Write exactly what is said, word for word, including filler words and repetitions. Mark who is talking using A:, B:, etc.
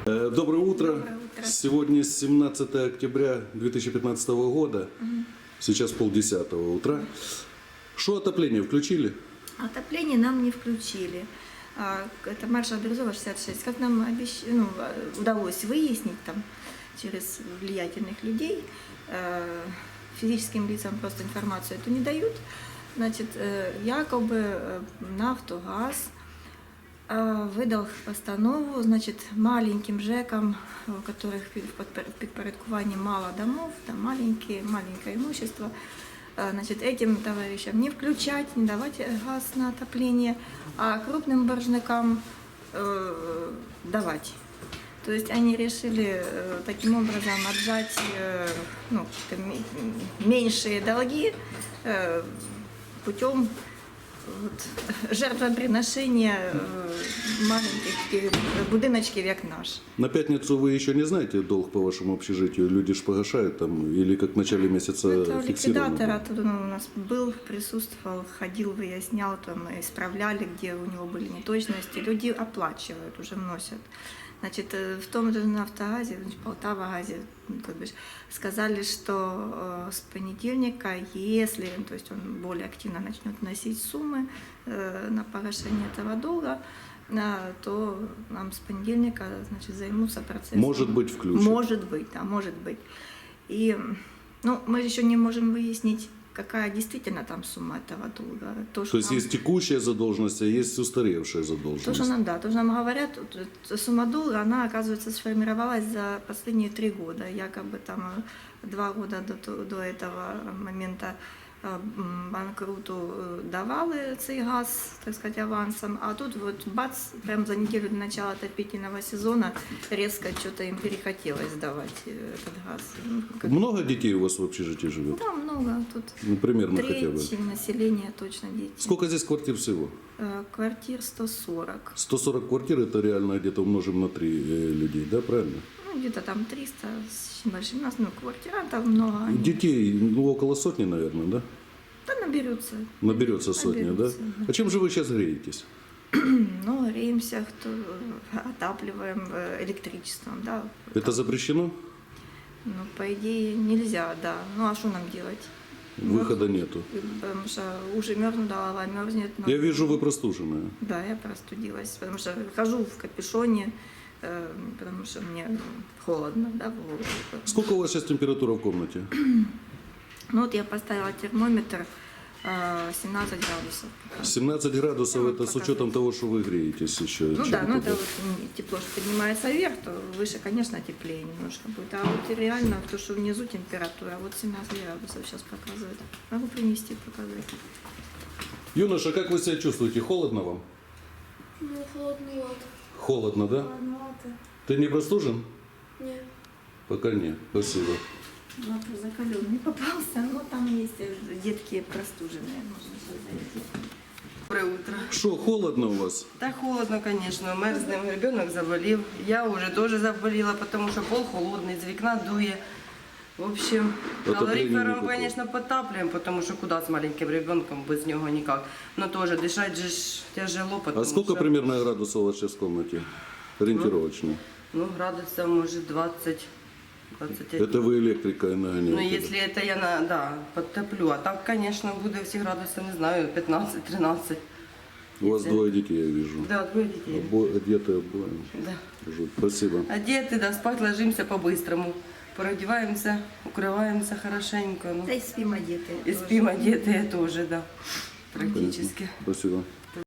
A: Доброе утро.
B: Доброе утро.
A: Сегодня семнадцатое октября две тысячи пятнадцатого года. Угу. Сейчас полдесятого утра. Что отопление включили?
B: Отопление нам не включили. Это маршал Березова шестьдесят шесть. Как нам обещ... ну, удалось выяснить там, через влиятельных людей, физическим лицам просто информацию эту не дают. Значит, якобы Нафтогаз выдал постанову, значит, маленьким ЖЭКам, у которых в підпорядкувании мало домов, там маленькие, маленькое имущество, значит, этим товарищам не включать, не давать газ на отопление, а крупным боржникам э, давать. То есть они решили э, таким образом отжать э, ну, меньшие долги э, путем вот, жертвоприношения э, маленьких будиночків, як наш.
A: На пятницу вы еще не знаете долг по вашему общежитию? Люди ж погашают там, или как в начале месяца
B: Это
A: фиксировано?
B: ликвидатор оттуда ну, у нас был, присутствовал, ходил, выяснял, там, исправляли, где у него были неточности. Люди оплачивают, уже вносят. Значит, в том же Нафтогазе, в Полтавагазе, как бы, сказали, что э, с понедельника, если то есть он более активно начнет вносить суммы э, на погашение этого долга, э, то нам с понедельника, значит, займутся процессом.
A: Может быть, включат.
B: Может быть, да, может быть. И ну, мы еще не можем выяснить, какая действительно там сумма этого долга. То,
A: то есть
B: нам...
A: есть текущая задолженность, а есть устаревшая задолженность.
B: То, что нам, да, то, что нам говорят, сумма долга, она, оказывается, сформировалась за последние три года. Якобы там два года до, до этого момента банкруту давали цей газ, так сказать, авансом, а тут вот бац, прям за неделю до начала отопительного сезона резко что-то им перехотелось давать этот газ. Ну, как...
A: Много детей у вас в общежитии живет?
B: Да, много. Тут
A: ну, примерно
B: треть
A: хотя бы.
B: населения точно дети.
A: Сколько здесь квартир всего?
B: Квартир сто сорок.
A: сто сорок квартир, это реально где-то умножим на три людей, да, правильно?
B: Ну, где-то там триста с небольшим. У нас, ну, квартирантов много. Они...
A: Детей, ну, около сотни, наверное, да?
B: Да, наберется.
A: Наберется сотня,
B: наберется,
A: да?
B: да?
A: А чем же вы сейчас греетесь?
B: Ну, греемся, кто отапливаем электричеством, да.
A: Это запрещено?
B: Ну, по идее, нельзя, да. Ну, а что нам делать?
A: Выхода нету.
B: Потому что уши мерзнут, голова мерзнет. Но...
A: Я вижу, вы простуженная.
B: Да, я простудилась, потому что хожу в капюшоне, потому что мне холодно, да, в голову.
A: Сколько у вас сейчас температура в комнате?
B: Ну вот я поставила термометр семнадцать градусов.
A: семнадцать градусов,
B: ну,
A: это с учетом того, что вы греетесь еще.
B: Ну да, ну это вот тепло, что поднимается вверх, то выше, конечно, теплее немножко будет. А вот реально то, что внизу температура, вот семнадцать градусов сейчас показывает. Могу принести, показать.
A: Юноша, как вы себя чувствуете? Холодно вам?
C: Ну, холодновато.
A: Холодно, да?
C: Холодновато.
A: Ты не простужен?
C: Нет.
A: Пока нет. Спасибо.
B: Вот закален не попался, но там есть детки простуженные, можно зайти.
D: Доброе утро.
A: Что, холодно у вас?
D: Да холодно, конечно, мерзнем, ребенок заболел. Я уже тоже заболела, потому что пол холодный, из окна дует. В общем, калорифером, конечно, потапливаем, потому что куда с маленьким ребенком, без него никак. Но тоже дышать же тяжело, потому
A: А сколько
D: что...
A: примерно градусов у вас сейчас в комнате? Ориентировочно.
D: Ну, градусов, может, двадцать. двадцать один.
A: Это вы электрикой нагоняете?
D: Ну, если это я, на, да, подтоплю. А так, конечно, будет все градусы, не знаю, пятнадцать-тринадцать.
A: У вас
D: если...
A: двое детей, я вижу.
D: Да, двое детей.
A: Обо... Одеты обои.
D: Да.
A: Спасибо.
D: Одеты, да, спать ложимся по-быстрому. Продеваемся, укрываемся хорошенько. Ну.
B: Да и спим одетые.
D: И спим одетые тоже, да, практически.
A: Спасибо.